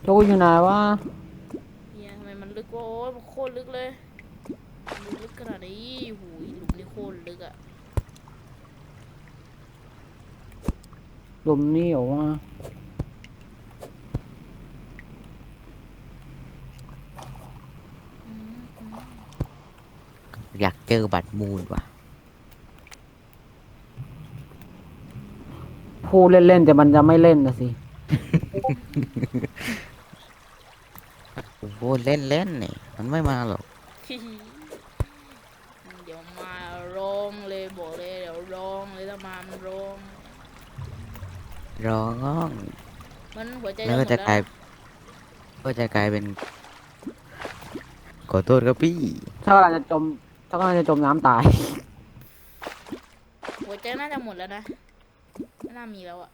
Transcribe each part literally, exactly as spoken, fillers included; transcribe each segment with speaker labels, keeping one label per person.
Speaker 1: โจอยู่ไหนวะ
Speaker 2: เฮียทำไมมันลึกวะโอ้ยมันโคตรลึกเลยมันลึกขนาดนี้หูยหลุมนี่โคตรลึกอะ
Speaker 1: หลุมนี่เหรอวะ
Speaker 3: อยากเจอบัตรมูลว่ะ
Speaker 1: พูดเล่นๆแต่มันจะไม่เล่นนะสิ
Speaker 3: โอ้โหเล่นเล่นนี่มันไม่มาหรอก
Speaker 2: เดี๋ยวมาร้องเลยบอกเลยเดี๋ยวร้องเลยถ้ามามันร้อง
Speaker 3: ร้อง
Speaker 2: มันหัวใจ
Speaker 3: แล้ว
Speaker 2: จะหม
Speaker 3: ก็
Speaker 2: ด
Speaker 3: จะ
Speaker 2: แล้ว
Speaker 3: กลาย
Speaker 2: นะ
Speaker 3: ก็จะกลายเป็นขอโทษครับพี่
Speaker 1: ถ้ากำลังจะจมถ้ากำลังจะจมน้ำตาย
Speaker 2: หัวใจน่าจะหมดแล้วนะไม่น่ามีแล้วอะ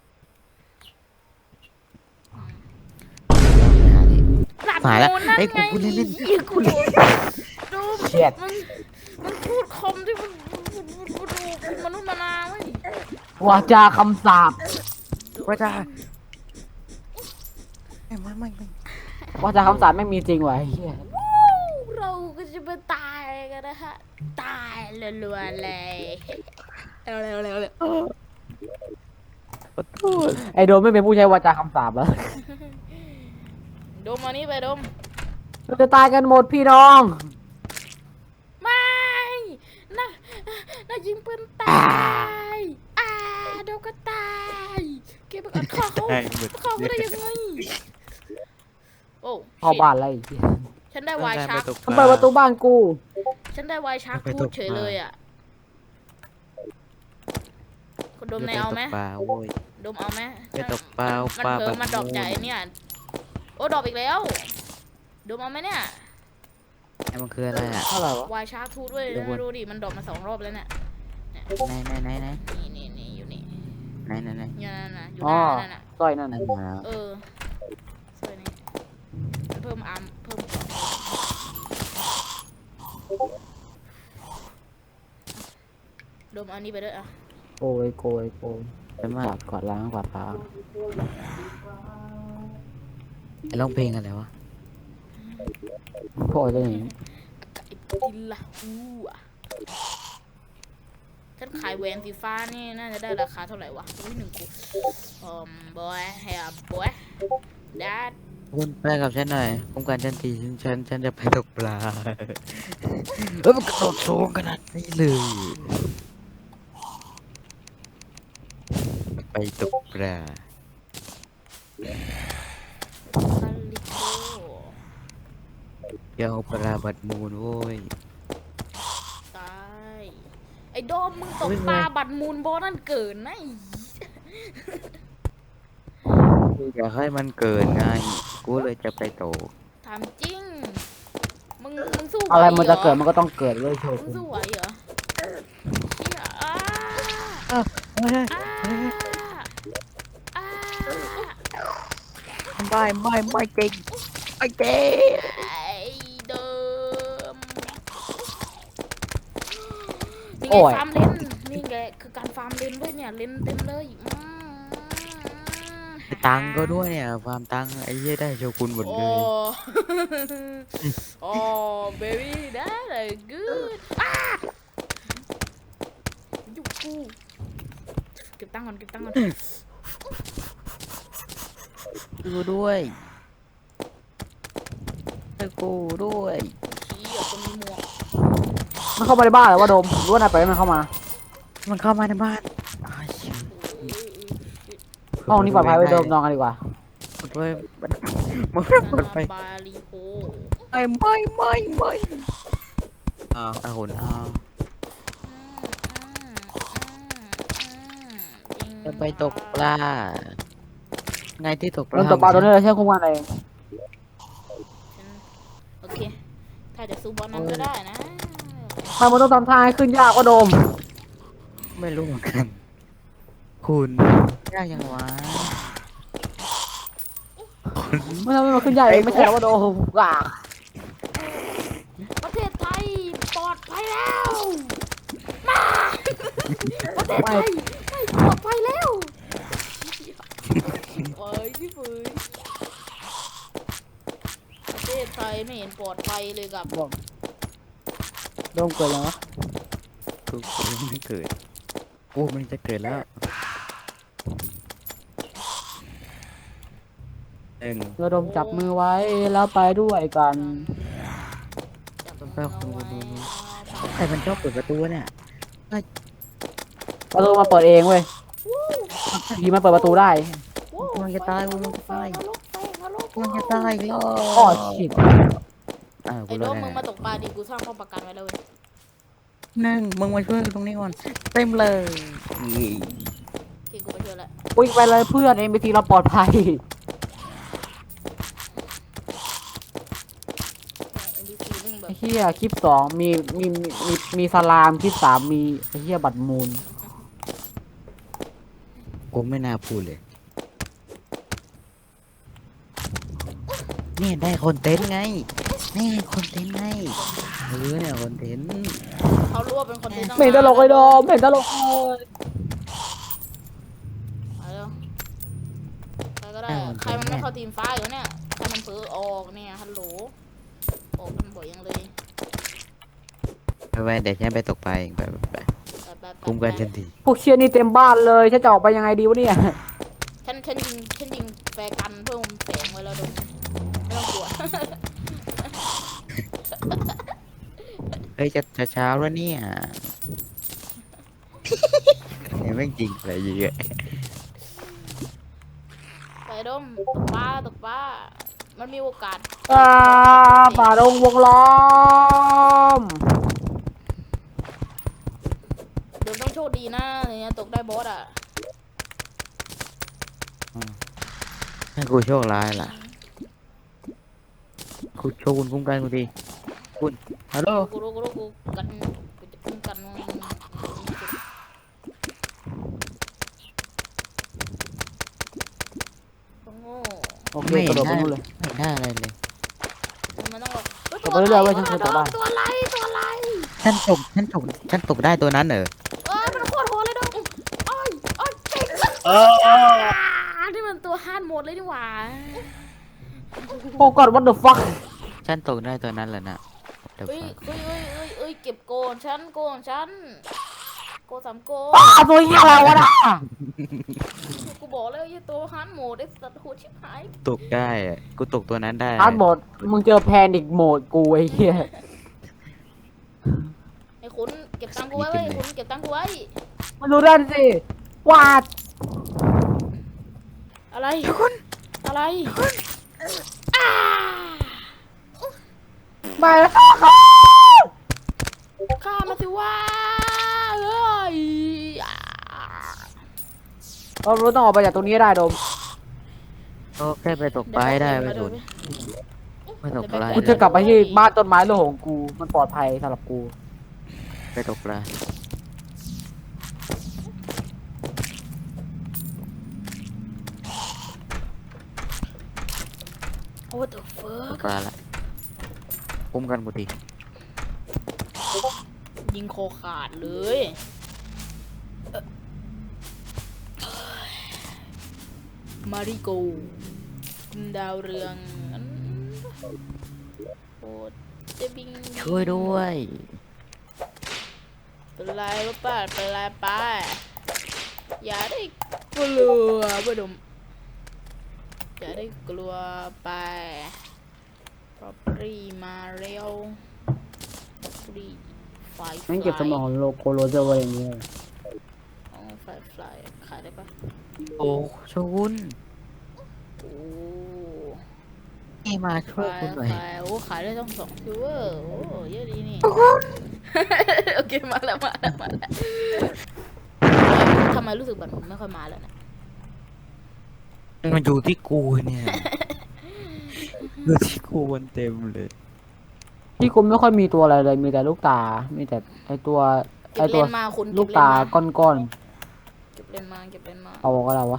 Speaker 2: หลับ
Speaker 3: หายแล้ว
Speaker 2: โมนั่น
Speaker 3: ไอ้ย
Speaker 2: ไง
Speaker 3: กูกูเล่นเล่น
Speaker 2: เหี้ยกูโดนดู
Speaker 1: เชี่ย
Speaker 2: มันมันพูดคำที่มันมันมันมันเป็นมนุษย์มนาเว้ยว
Speaker 1: าจาคำสาป
Speaker 3: ว่าจะไม่ไม่ไม่ไม่
Speaker 1: วาจาคำสาปไม่มีจริงวะไอ้เหี้ย
Speaker 2: วู้เราก็จะไปตายกันนะฮะตายรัวๆเลยเร็วเร็วเร็วเร็ว
Speaker 3: ขอโทษ
Speaker 1: ไอโดมไม่เป็นผู้ใช้วาจาคำสาปแล้ว
Speaker 2: ดมมานี่ไปดม
Speaker 1: เราจะตายกันหมดพี่น้อง
Speaker 2: ไม่น่าน่ายิงปืนตายอ่าเดี๋ยวก็ตายเก็บไปก่อนฆ่าเขา
Speaker 3: ได้หมด
Speaker 2: ฆ่าเขาได้ยังไงโอ้
Speaker 1: เข้าบ้านแล้วไอ้เหี้ย
Speaker 2: ฉันได้วายชาร์ก
Speaker 1: มันเปิดประตูบ้านกู
Speaker 2: ฉันได้วายชาร์กพูดเฉยเลยอ่ะคุณดมในเอาไหม
Speaker 3: ปลาโว้ย
Speaker 2: ดมเอาไหม
Speaker 3: ไปตกปลา
Speaker 2: มัน
Speaker 3: ปลา
Speaker 2: เผลอ
Speaker 3: แบบ
Speaker 2: มาดรอปใหญ่เนี่ยโอ้ดรอปอีกแล้วดมเอาไหมเนี่ย
Speaker 3: ไอ้มันคืออะไรอ่ะ
Speaker 1: เท่าไหร่วะ
Speaker 2: วายชาร์กทูดด้วย
Speaker 3: เดี๋ยวก่อน
Speaker 2: ดูดิมันดรอปมาสองรอบแล้วเนี่ย
Speaker 3: ไหนไหนไหนไหน
Speaker 2: นี่นี่นี่อยู่นี่
Speaker 3: ไหนไหนไหน
Speaker 2: อยู่นั่นน่ะอยู่
Speaker 1: อ๋อ
Speaker 2: หน้านั่นน่ะ
Speaker 1: สร้อยนั่น
Speaker 3: นั่
Speaker 1: น่ะ
Speaker 3: นมาแล้ว
Speaker 2: เออสวยนี่มันเพิ่มอาร์มเพิ่มเกราะดมเอานี้ไปด้วยอ่ะ
Speaker 1: โกยโกยโกย
Speaker 3: เป็นมาก
Speaker 1: วาดกวาดล้างกวาดล้าง
Speaker 3: ไอ้ร้องเพลงอะไรวะ
Speaker 1: พ่อจะหนี
Speaker 2: ไก่กินละอู้อ่ะฉันขายแหวนสีฟ้านี่น่าจะได้ราคาเท่าไหร่วะอุ้ยหนึ่งกูอืมบอยเฮียบอยดัด
Speaker 3: คุณไปกับฉันหน่อยป้องกันฉันทีฉันฉันฉันจะไปตกปลาเอ้ยมันกระโดดสูงขนาดนี้เลยไปตกปลา
Speaker 2: คาลิโก
Speaker 3: เดี๋ยวเอาปลาบัดมูลโว้ย
Speaker 2: ตายไอ้โดมมึงตกปลาบัตรมูลบอนั่นเกินนะไอ้
Speaker 3: อยากให้มันเกิดไงกูเลยจะไปตก
Speaker 2: ถามจริง มึง มึงสู้ไหว
Speaker 1: อะไรมันจะ
Speaker 2: ห
Speaker 1: เกิดมันก็ต้องเกิดเลยโช
Speaker 2: มึ
Speaker 1: ว์
Speaker 2: งสู้ไหวเหรอเชี่ยอ้า
Speaker 3: ไม่ได้
Speaker 2: อ้าอ้า
Speaker 3: ไม่ไม่ไม่จริงไม่จริง
Speaker 2: ไอ้เดิมนี่ไงฟาร์มเลนนี่ไงคือการฟาร์มเลนด้วยเนี่ยเลนเต็มเลยอืม
Speaker 3: ตังค์ก็ด้วยเนี่ยความตังค์ไอ้เหี้ยได้โชกุนหมด
Speaker 2: โอ้
Speaker 3: เลย
Speaker 2: โอ้ baby that is good อ้าอยู่กูเก็บตังค์ก่อนเก็บตังค์ก่อน
Speaker 3: กูด้วยให้กูด้วย
Speaker 2: ขี้อ่ะคนมีหมวก
Speaker 1: มันเข้ามาในบ้านเหรอวะโดมหรู้ว่าไหนไปล่อยให้มันเข้ามา
Speaker 3: มันเข้ามาในบ้านอ้าวเชี่ย
Speaker 1: ห้องนี้ปลอดภัยไว้โดมนอนกันดีกว่า
Speaker 3: มันไปมันมัน
Speaker 2: นา
Speaker 3: มัน
Speaker 2: นา
Speaker 3: ไป
Speaker 2: บาลีโฮ
Speaker 3: ไม่ไม่ไม่ไม่อ้าวอ้าวหุ่นอ้าวจะไปตกปลาไงที่ตกป
Speaker 1: โด
Speaker 3: ลาน
Speaker 1: ตกปลาตัวนี้เลยใช่คุ้มกันเอง
Speaker 2: โอเค ถ้าจะสู้บอลนั้นก็ได้นะ
Speaker 1: ทำมันต้องทำท่าให้ขึ้นยากกว่าโดม
Speaker 3: ไม่รู้เหมือนกัน คุณยากยังวะ
Speaker 1: ไม่ทำให้มันขึ้นยากเองไม่ใช่แล้วว่าโดมอ่ะ
Speaker 2: ประเทศไทยปลอดภัยแล้วมาประเทศไทยไม่ปลอดภัยแล้วเอ้ยพี่ฝืนไม่เห็นปลอดภัยเลยกับ
Speaker 1: บอกโดมเกิดยังวะ
Speaker 3: กูกูยังไม่เกิดกูมันจะเกิดแล้วหนึ่ง
Speaker 1: เราโดมจับมือไว้แล้วไปด้วยกัน
Speaker 2: จับ
Speaker 3: ต้อง
Speaker 2: มื
Speaker 3: เฝ้า
Speaker 2: อ
Speaker 3: คน
Speaker 2: ไว้
Speaker 3: ดูดูใครมันชอบเปิดประตูเนี่ย
Speaker 1: ประตูมาเปิดเองเว้ยผีมาเปิดประตูได้
Speaker 2: โอ้
Speaker 3: กูมันจะตายกูมันจะตาย
Speaker 2: นรกไฟนรก
Speaker 3: กูมันจะตายอีกแล้ว
Speaker 1: อ้อชิด
Speaker 3: อ้าวกู
Speaker 2: ไอ้
Speaker 3: ร
Speaker 2: โด
Speaker 3: อด
Speaker 2: ม
Speaker 3: ได้
Speaker 2: มึงมาตกปลาดิกูสร้างป้อมปราการไว้แล้วเว้ย
Speaker 3: หนึ่งมึงมาช่วยกูตรงนี้ก่อนเต็มเลยนี่
Speaker 2: โอเคกูไปช่วยละ
Speaker 1: วิ่งไปเลยเพื่อนเอ็มบีทีเราปลอดภัย
Speaker 2: เอ็นดีซีมึงแบบ
Speaker 1: ไอ้เฮียคลิปสองมีมีมีมีมีสลามคลิปสามมีไอ้เฮียบัตรมูล
Speaker 3: กูไม่น่าพูดเลยนี่ได้คอนเทนต์ไงนี่คอนเทนต์ไงเออเนี่ยคอนเทนต์
Speaker 2: เขารู้ว่าเป็นคนที่ต้อง
Speaker 1: ไม่เห็นตลกเลยโดมไม่เห็นตลกเลย
Speaker 2: มาเร็วใครก็ได้ใครมันไม่เข้าทีมฟ้าอยู่เนี่ยใครมันเผลอออกเนี่ยฮัลโหลออกกันบ่อยยังเลย
Speaker 3: ไปไปเดี๋ยวฉันไปตกปลาเองไปไปไป
Speaker 2: ไปไปไป
Speaker 3: คุ้มกันทันที
Speaker 1: พวกเชียร์นี่เต็มบ้านเลยฉันจะออกไปยังไงดีวะเนี่ย
Speaker 2: ฉันฉันยิงฉันยิงแฟร์กันเพิ่มแสงไว้แล้วดูไม่ต้องกลัว
Speaker 3: เฮ้ยจะจะเช้าแล้วเนี่ยเนี่ยแม่งจริงอะไรเยอะ
Speaker 2: ไปดมตกปลาตกปลามันมีโอกาส
Speaker 1: อ่าป่าดงวงล้อม
Speaker 2: เดี๋ยวต้องโชคดีนะเนี่ยตกได้บอสอ่ะ
Speaker 3: ถ้ากูโชคร้ายล่ะกูโชคคุณคุ้มกันกูดีคุณฮัลโหล
Speaker 2: กูรู้กูรู้กูกันกูจะคุ้มกันมึงโอ้โห
Speaker 1: โอเคกระโดดไปนู่นเลย
Speaker 3: ไม่ได้อะไรเลย
Speaker 2: มันต้องแบบ
Speaker 1: ตกไปเรื่อยๆเว้ยฉันเคยตกได้
Speaker 2: ตัวอะไรตัวอะไร
Speaker 3: ฉันตกฉันตกฉันตกได้ตัวนั้นเหรอ
Speaker 2: เอ้ยมันโคตรโหดเลยดมอ้อยอ้อยเก่ง
Speaker 3: เออ
Speaker 2: นี่มันตัวฮาร์ดโหมดเลยนี่หว่า
Speaker 1: โอ้กอด what the fuck
Speaker 3: ฉันตกได้ตัวนั้นเหรอนะ
Speaker 2: เอ้ยเอ้ยเอ้ยเอ้ยเอ้ยเก็บโกนฉันโกนฉันโกสามโก
Speaker 1: อ้าตัวเหี้ยอะไรวะน่ะ
Speaker 2: กูบอกแล้วไอ้ตัวฮาร์ดโหมดไอ้สัตว์โหดชิบหาย
Speaker 3: ตกได้อะกูตกตัวนั้นได้
Speaker 1: ฮาร์ดโหมดมึงเจอแพนิกโหมดกูไอ้เหี้ย
Speaker 2: ไอ้ขุนเก็บตังค์กูไว้เว้ยไอ้ขุนเก็บตังค์กูไว้
Speaker 1: มาดูด้านสิวาด
Speaker 2: อะไรคุณอะไรอ้า
Speaker 1: ไปแล้ว
Speaker 2: ข้ามาสิว่าเอ้ยอ่า
Speaker 1: เรารู้ต้องออกไปจากตรงนี้ให้ได้โดม
Speaker 3: ก็แค่ไปตกปลาให้ได้ไปสุดไปตกปลา
Speaker 1: กูจะกลับไปที่บ้านต้นไม้โลกของกูมันปลอดภัยสำหรับกู
Speaker 3: ไปตกปลา
Speaker 2: โอ้ตัวเฟิ
Speaker 3: ต
Speaker 2: ร์
Speaker 3: กปลาละคุ้มกันกูดี
Speaker 2: ยิงคอขาดเลยเอ่อมาริโกดาวเรืองโอ้จะบิง
Speaker 3: ช่วยด้วย
Speaker 2: เป็นไรวะป้าเป็นไรป้าอย่าได้กลัวบ่ดมอย่าได้กลัวไปพรอปรีมาเร็วปรีไฟ
Speaker 1: งั้นเก็บสมองโลโกโรเจอร์ไว้อย่างนี้เลย
Speaker 2: อ๋อไฟฟลายขายได้ปะ
Speaker 3: โอ้ชวุน
Speaker 2: โอ้
Speaker 3: นี่มาช่วย
Speaker 2: ขาย
Speaker 3: กูหน่อย
Speaker 2: ขายโอ้ขายได้ต้องสองซิลเวอร์โอ้เยอะดีนี่ โอเคมาแล้วมาแล้วมาแล้วทำไมรู้สึกแบบไม่ค่อยมาแล้วนะ
Speaker 3: มันอยู่ที่กูเนี่ยอยู่ที่กูมันเต็มเลย
Speaker 1: ที่กูไม่ค่อยมีตัวอะไรเลยมีแต่ลูกตา มีแต่ไอตัว
Speaker 2: เก็
Speaker 1: ไอบ ตั
Speaker 2: เล
Speaker 1: วน
Speaker 2: มาคุณ
Speaker 1: ลูก
Speaker 2: เบเลน
Speaker 1: ตา
Speaker 2: มา
Speaker 1: ก้อน
Speaker 2: เก็บเลนมาเก็บเลนมา
Speaker 1: ๆเอาก็แล้ววะ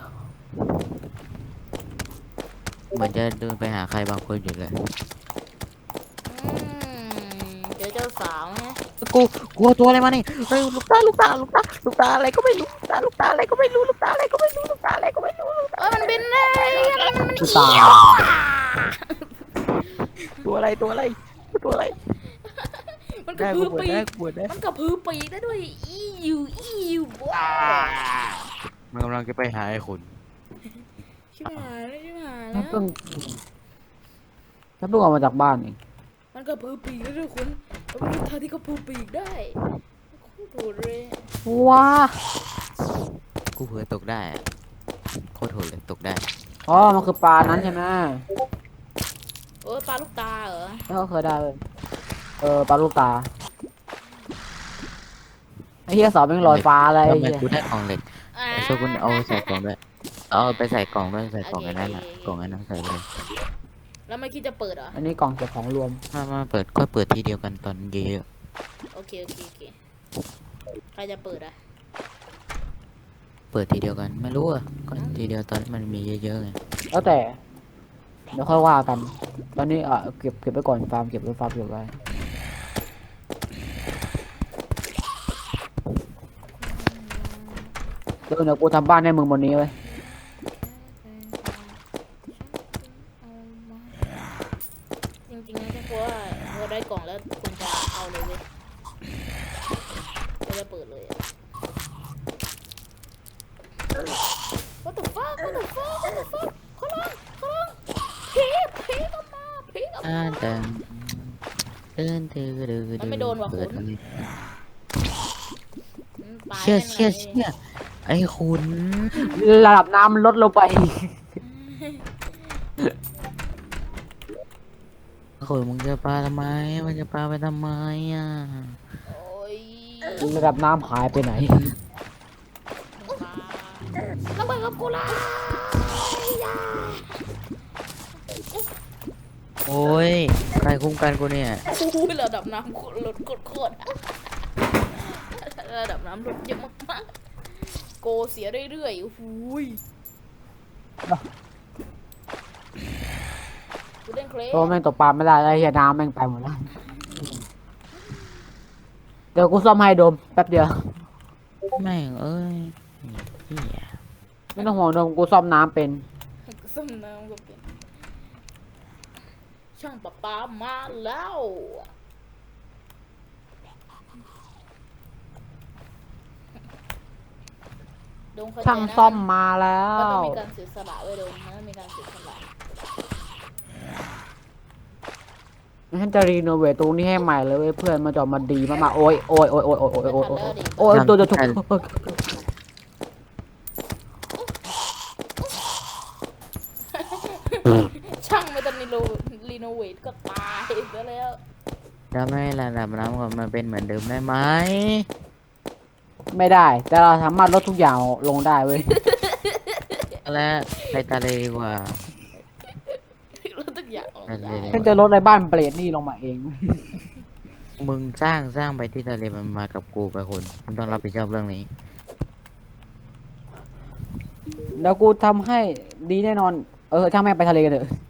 Speaker 3: เหมือนจะเดินไปหาใครบางคนอยู่เลย
Speaker 2: อืมเจอเจ้าสาวไง
Speaker 3: กูกลัวตัวอะไรมานี่เฮ้ยลูกตาลูกตาลูกตาลูกตาอะไรก็ไม่รู้ลูกตาลูกตาอะไรก็ไม่รู้ลูกตาอะไรก็ไม่รู้ลูกตาอะไรก็ไม่รู้ลูกตา
Speaker 2: เอ้ยมันบินได้มันมัน
Speaker 1: ลูกตา
Speaker 3: ตัวอะไรอะไรตัวอะไรตัวอะไร
Speaker 2: มันกระ
Speaker 3: ได้
Speaker 2: พื
Speaker 3: กู
Speaker 2: อ
Speaker 3: ปวด
Speaker 2: ปี
Speaker 3: ได้
Speaker 2: ก
Speaker 3: กูปวดได้
Speaker 2: มันกระพือปีกได้ด้วยอียูอียูว้า
Speaker 3: มันกำลังจะไปหาไอ้ขุน
Speaker 2: ชิบหายแล้วชิบหาย
Speaker 1: แล้
Speaker 2: แล้ว ว
Speaker 1: เพิ่งแล้วเพิ่งออกมาจากบ้านเอง
Speaker 2: มันกระพือปีกได้ด้วยคุณมันเป็นทางที่กระพือปีกได้โคตรโหดเลย
Speaker 1: ว้า
Speaker 3: กูเผื่อตกได้อะโคตรโหดเลยตกได้
Speaker 1: อ๋อมันคือปลานั้นใช่ไหม
Speaker 2: เออปลาลูกตาเหรอ
Speaker 1: แล้วก็เคยได้เลยเออปลาลูกตาไอ้เหี้ยสอบเป็นลอยฟ้าอะไร
Speaker 3: ทำ
Speaker 1: ไอ้
Speaker 3: ไม
Speaker 1: เหี้ย
Speaker 3: กูได้กล่องเหล็ก
Speaker 2: อ่า
Speaker 3: ไอ้โชกุนเอาใส่กล่องด้วยเอาไปใส่กล่องด้วยใส่กล่องอันนั้นอ่ะกล่องอันนั้นใส่ไปเลย
Speaker 2: แล้วไม่คิดจะเปิดเหรอ
Speaker 1: อันนี้กล่องเก็บของรวม
Speaker 3: มามาเปิดก็เปิดทีเดียวกันตอนเยอะ
Speaker 2: โอเคโอเคโอเคใครจะเปิดอ่ะ
Speaker 3: ๆเปิดทีเดียวกันไม่รู้อ่ะก็ทีเดียวตอนมันมีเยอะๆไง
Speaker 1: แล้วแต่เดี๋ยวค่อยว่ากัน ตอนนี้อ่ะเก็บเก็บไว้ก่อนฟาร์มเก็บไว้ฟาร์มเก็บไว้เดี๋ยวเดี๋ยวกูทำบ้านให้มึงบนนี้ไว้ย
Speaker 2: จริงๆนะเพราะว่าพอได้กล่องแล้วคุณจะเอาเลยเว้ยก็จะเปิดเลยอะ What the fuck What the fuck What the fuck เขาลองเขาลองผีผีก็มาผีก็
Speaker 3: อ่า
Speaker 2: มา
Speaker 3: แต่เดินเดือดเดือด
Speaker 2: มันไม่โดนว่ะ
Speaker 3: เปิด
Speaker 2: คุณ
Speaker 3: อะไร
Speaker 2: อืมตาย
Speaker 3: เชี่ย
Speaker 2: แน่นอน
Speaker 3: เชี่ยเชี่ยไอ้คุณ
Speaker 1: ระดับน้ำลดลงไป
Speaker 3: คุณมึงจะปาทำไมมันจะปาไปทำไมอ่ะ
Speaker 2: โอ้ย
Speaker 1: ระดับน้ำหายไปไหน
Speaker 2: มาระเบิดกับกูละ
Speaker 3: โอ้ยใครคุ้มกันกูเนี่ย
Speaker 2: อุ้ยระดับน้ำลดโคตรๆอะระดับน้ำลดเยอะมากๆโกเสียเรื่อยๆโอ้โหูยกูเล่นเคล
Speaker 1: ตัวแม่งตกปลาไม่ได้ไอ้เหี้ยน้ำแม่งไปหมดแล้วเดี๋ยวกูซ่อมให้โดมแป๊บเดียว
Speaker 3: แม่งเอ้ยเหี้ย
Speaker 1: ไม่ต้องห่วงโดมกูซ่อมน้ำเป็น
Speaker 2: ส้มน้ำก็เป็นช่างประปามาแล้วโดมเข้ใจ
Speaker 1: ช่าง
Speaker 2: นะ
Speaker 1: ซ่อมมาแล้
Speaker 2: มันต้อ
Speaker 1: ว
Speaker 2: งมีการเสียสละไว้ยโดมมันต้องมีการเสียสละ
Speaker 1: ฉันจะรีโนเวทตรงนี้ให้ใหม่เลยเว้ยเพื่อนมันจะออกมาดีมากๆโอ้ยโอ้ยโอ้ยโอ้ยโอ้ยโอ้ยโอ้ยโอ้ยโอ้ยตัวจะถูก
Speaker 2: ช่างไม่ต้องรีโนรีโนเวทก็ตายซะแล้ว
Speaker 3: จะไม่ให้ระดับน้ำของมันเป็นเหมือนเดิมได้ไหม
Speaker 1: ไม่ได้ แต่เราสามารถลดทุกอย่างลงได้เว้ย
Speaker 3: แล้วไปทะเลดีกว่า
Speaker 2: รู้ทุกอย่างออก
Speaker 3: ไปทะเล
Speaker 2: ได้
Speaker 3: ดี
Speaker 1: ฉัน
Speaker 3: ก
Speaker 1: จะ
Speaker 3: ว่า
Speaker 1: ลดในบ้านเปรตนี่ลงมาเอง
Speaker 3: มึงสร้างสร้างไปที่ทะเลมันมากับกูไปคุณมึงต้องรับผิดชอบเรื่องนี้
Speaker 1: แล้วกูทำให้ดีแน่นอน เออช่างแม่งไปทะเลกันเถอะ